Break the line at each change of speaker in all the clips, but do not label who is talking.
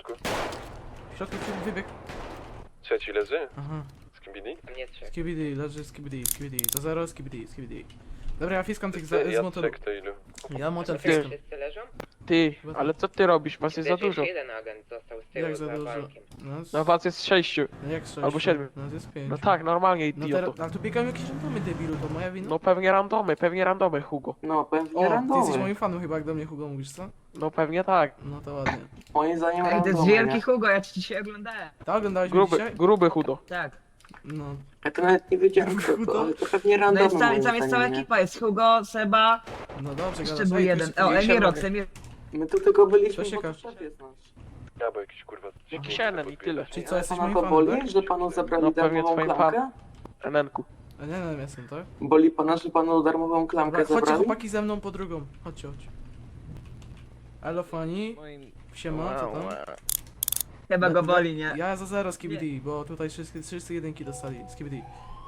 środku.
W środku wybieg.
Trzeci leży?
Aha.
Skibidi?
Nie trzech.
Skibidi, leży skibidi. To zero, skibidi. Dobra, ja fiskam tych
Ja
z motoru.
trzech to ilu?
Ja motor
Czekaj,
fiskam.
wszyscy leżą?
Ty, ale co ty robisz? Was jest za
Też
dużo.
jeden agent został z tyłu
Jak za dużo?
bankiem.
No,
Was jest 6.
no jak 6?
albo 7.
No jest 5.
No tak, normalnie,
No
idioto.
teraz, ale tu biegają jakieś randomy, debilu, to moja wina?
No pewnie randomy, Hugo.
No pewnie
O, ty
randomy.
jesteś moim fanem chyba, jak do mnie Hugo mówisz, co?
No pewnie tak.
No to ładnie.
Moim zdaniem
Ej, to jest
randomy,
wielki
nie?
Hugo, ja ci dzisiaj oglądałem.
Tak, oglądałeś mnie dzisiaj?
Gruby Hugo.
Tak.
No.
Ja to nawet nie wiedziałem kto to, ale to pewnie
No
randomy
jest tam,
moim
tam jest cała
zdaniem, nie?
ekipa, jest Hugo, Seba,
No dobrze,
jeszcze
gadasz.
był
Ej,
jeden.
tu
O,
jest-
Emirox, Emirox.
My tu tylko byliśmy,
To się
bo
każe.
to szef jest nasz.
Ja, bo jakiś kurwa...
Jakiś Enen i tyle.
Czyli co,
Ale
jesteś
pana
moim
to
fanem,
boli,
tak?
że panu zabrali
No pewnie
darmową
twoim
klamkę?
Enenku.
A nie, no jestem, tak?
Boli pana, że panu darmową klamkę
Dobra, chodźcie
zabrali?
chłopaki ze mną po drugą. Chodźcie. Elo Fani, siema, co tam?
Chyba go boli, nie?
Ja za zero skibidi, bo tutaj wszyscy jedynki dostali. Skibidi.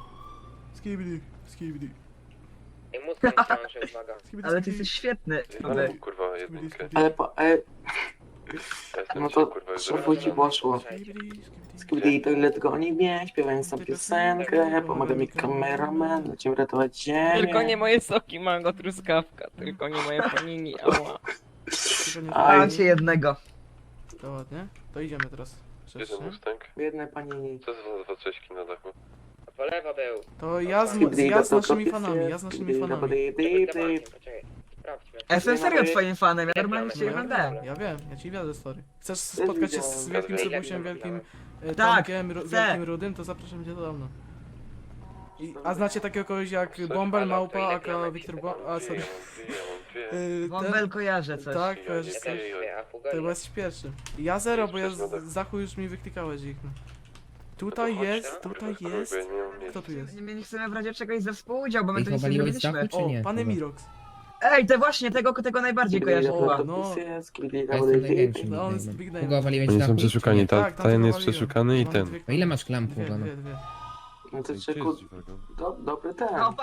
I Mustang ciąży, uwaga.
Ale ty jesteś świetny.
Ale kurwa jedynkę.
Ale
Ja jestem
no
dzisiaj,
to
kurwa, już
szefu ci poszło. Skibidi toilet goni mnie, śpiewając tam piosenkę, pomaga mi kameraman, lecimy ratować ziemię.
Tylko nie moje soki, mango, truskawka. Tylko nie moje panini, ała.
Mam cię jednego.
To ładnie. To idziemy teraz.
Gdzie ten Mustang?
Biedne panini.
Co za dwa cześćki na dachu?
Po lewo był.
To ja z naszymi fanami, ja z naszymi fanami.
Przed bankiem, poczekaj. Sprawdźmy.
Ja jestem serio twoim fanem, ja normalnie cię oglądałem.
Ja wiem, ja ci wiadę story. Chcesz spotkać się z wielkim Sebusiem, wielkim
Tak,
Tomkiem,
chcę.
wielkim Rudym, to zapraszam cię do mną. A znacie takiego kogoś jak Bombel, Małpa, aka Wiktor a sorry.
Bombel kojarzę coś.
Tak, kojarzysz
Ja
coś?
też dwie, a Hugo
To
ile?
chyba jesteś pierwszy. Ja zero, bo ja z Zachu już mi wyklikałeś ich. No. Tutaj jest. Kto tu jest?
Nie chcemy w razie czegoś ze współudział, bo my
Ej,
tu nic nie
chowali z
robiliśmy.
dachu, czy
O,
nie?
pan
Chyba.
Emirox.
Ej, te właśnie, tego najbardziej kojarzę
O,
chyba.
no.
Ja jestem największym
No, on jest big
nickname'em.
name.
Hugo, waliłeś
Oni
dachu,
są
czy nie?
przeszukani,
Tak, tam
ten jest
zawaliłem.
przeszukany i
Mamy
ten.
dwie-
A ile masz klamp,
Dwie,
Hugo? No?
dwie.
No to czeku, dobry ten.
No,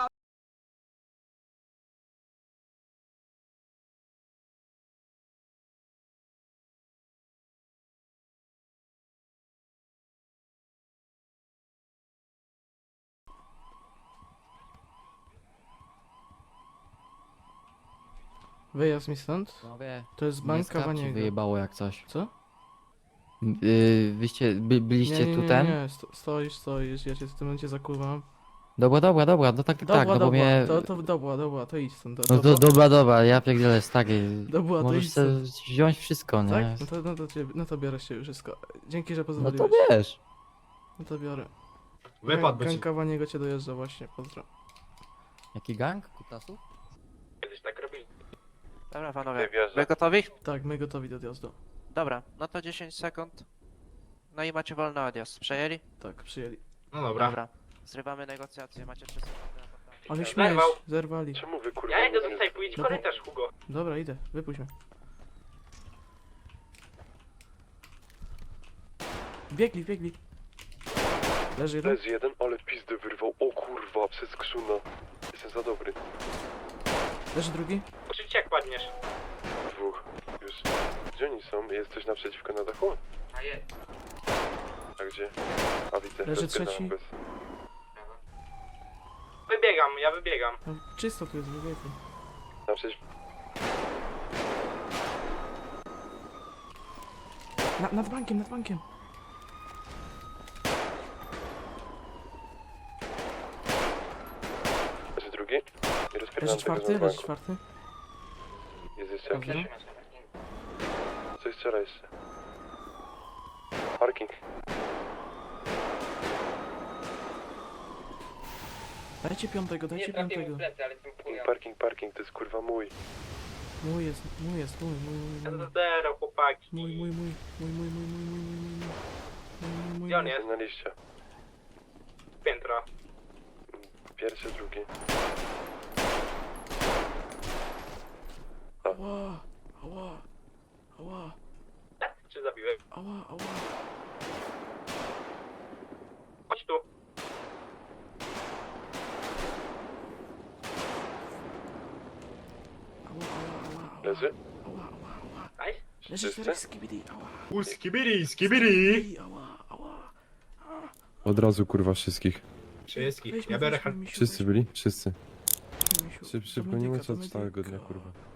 Wyjazd mi stąd. To jest bank Kawaniego.
Wyjebało jak coś.
Co?
Wyście, byliście
nie,
tu
nie,
ten?
Nie, stoisz, ja cię w tym momencie zakuwam.
Dobra, no tak, no bo mnie...
Dobra, to idź stąd.
No dobra, ja pierdzielę stary.
Dobra, to
Możesz
idź
sobie
stąd.
wziąć wszystko, nie?
Tak? No to biorę się wszystko. Dzięki, że
No
pozwoliłeś.
to wiesz.
No to biorę.
Wypadł
Gang
ci.
Kawaniego cię dojeżdża właśnie, pozdro.
Jaki gang? Kutasów?
Kiedyś tak robili.
Dobra
Nie
panowie,
wierzę.
wy gotowi?
Tak, my gotowi do odjazdu.
Dobra, no to 10 sekund. No i macie wolny odjazd. Przejęli?
Tak, przyjęli.
No dobra.
Dobra. Zrywamy negocjacje, macie 3 sekundy na poddanie.
Ale śmieć,
Zerwał.
zerwali.
Czemu wy kurwa...
Ja idę
nie-
do sklepu, idź
No bo-
korytarz, Hugo.
Dobra, idę, wypuść mnie. Biegli. Leży jeden.
Leży jeden, ale pizdę wyrwał. O kurwa, przez krzuna. Jestem za dobry.
Leży drugi.
Krzycz jak padniesz.
Dwóch. Już. Gdzie oni są? Jest coś naprzeciwko na dachu?
A jest.
A gdzie? A widzę.
Leży
rozpierdalam
trzeci.
bez.
Ja wybiegam.
No, czysto tu jest, wybiegli.
Naprzeciw...
Nad bankiem.
Leży drugi. I rozpierdalam
Leży
tego
czwarty,
z
leży
banku.
czwarty.
Jest jeszcze
Dobra.
jakiś? Coś strzela jeszcze. Parking.
Dajcie piątego.
Nie trafiłem w plecy, ale jestem chuja.
Parking, to jest kurwa mój.
Mój jest.
Zero, chłopaki.
Mój.
Gdzie on jest?
Na liście.
Piętro.
Pierwszy, drugi.
Ała.
Czy zabiłem?
Ała.
Chodź tu.
Leży?
Nice.
Leży
Wszyscy?
4 skibidi, ała.
Skibidi,
Skibidi, ała, ała.
Od razu kurwa wszystkich.
Wszystkich.
Weźmy,
Ja biorę
weźmy, misiu,
Wszyscy
weźmy.
byli? Wszyscy.
Misiu,
Szybko,
do
nie
medyka,
ma co
do
od całego
medyka.
dnia kurwa.